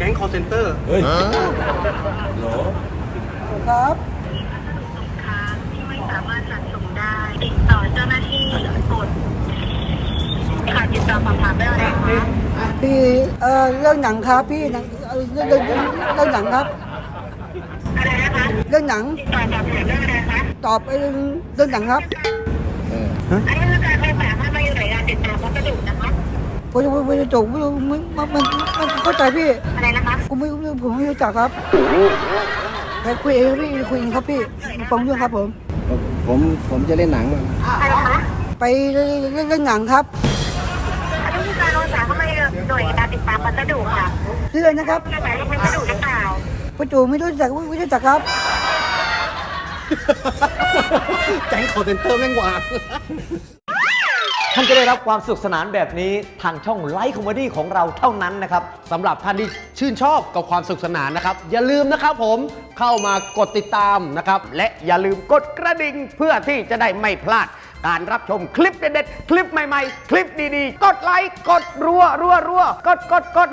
ก๊ง call center เฮ้ยโหลครับค่ะที่ไม่สามารถจัดส่งได้ติดต่อเจ้าหน้าที่กดค่ะติดต่อสอบถามได้เลยนะคะพี่เรื่องหนังครับพี่หนังเรื่องหนังครับอะไรนะคะเรื่องหนังติดต่อสอบถามได้เลยนะคะตอบเรื่องหนังครับอันนี้คือการไฟฟ้าถ้ามาอยู่หน่วยงานติดต่อพัสดุนะคะผมจะจบมันเข้าใจพี่อะไรนะคะผมไม่รู้จักครับไปคุยเองพี่คุยเองครับพี่ฟังเรื่องครับผมผมจะเล่นหนังอะไรคะไปเรื่องหนังครับอันนี้คือการไฟฟ้าเข้ามาอยู่หน่วยงานติดตามพัสดุค่ะเรื่องนะครับจะไหนรับพัสดุหรือเปล่าประจูไม่รู้จักครับแก๊ง call center แม่งวางท่านจะได้รับความสนุกสนานแบบนี้ทางช่องไลฟ์คอมเมดี้ของเราเท่านั้นนะครับสำหรับท่านที่ชื่นชอบกับความสนุกสนานนะครับ อย่าลืมนะครับผมเข้ามากดติดตามนะครับ และอย่าลืมกดกระดิ่งเพื่อที่จะได้ไม่พลาด การรับชมคลิปเด็ดๆ คลิปใหม่ๆ คลิปดีๆ กดไลค์ กดรัวกด